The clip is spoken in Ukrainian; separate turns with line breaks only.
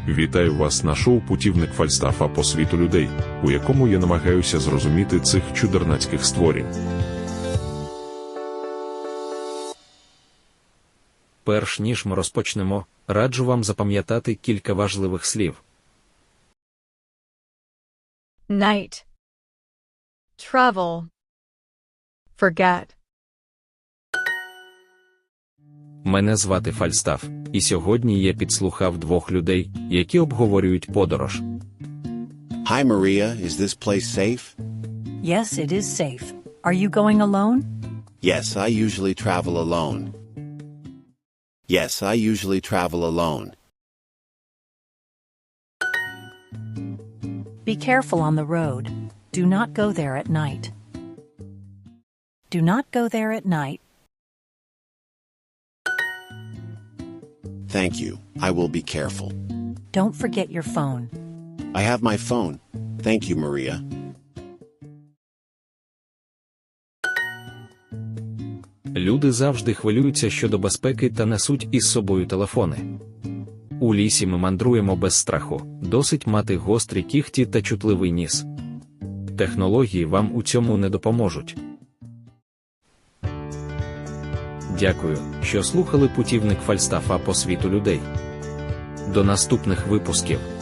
Вітаю вас на шоу «Путівник Фальстафа по світу людей», у якому я намагаюся зрозуміти цих чудернацьких створінь.
Перш ніж ми розпочнемо, раджу вам запам'ятати кілька важливих слів.
Night. Travel. Forget.
Мене звати Фальстаф, і сьогодні я підслухав двох людей, які обговорюють подорож.
Hi Maria, is this place safe?
Yes, it is safe. Are you going alone?
Yes, I usually travel alone. Yes, I usually travel alone.
Be careful on the road. Do not go there at night. Do not go there at night.
Thank you, I will be careful.
Don't forget your phone.
I have my phone. Thank you, Maria.
Люди завжди хвилюються щодо безпеки та несуть із собою телефони. У лісі ми мандруємо без страху, досить мати гострі кігті та чутливий ніс. Технології вам у цьому не допоможуть. Дякую, що слухали «Путівник Фальстафа по світу людей». До наступних випусків.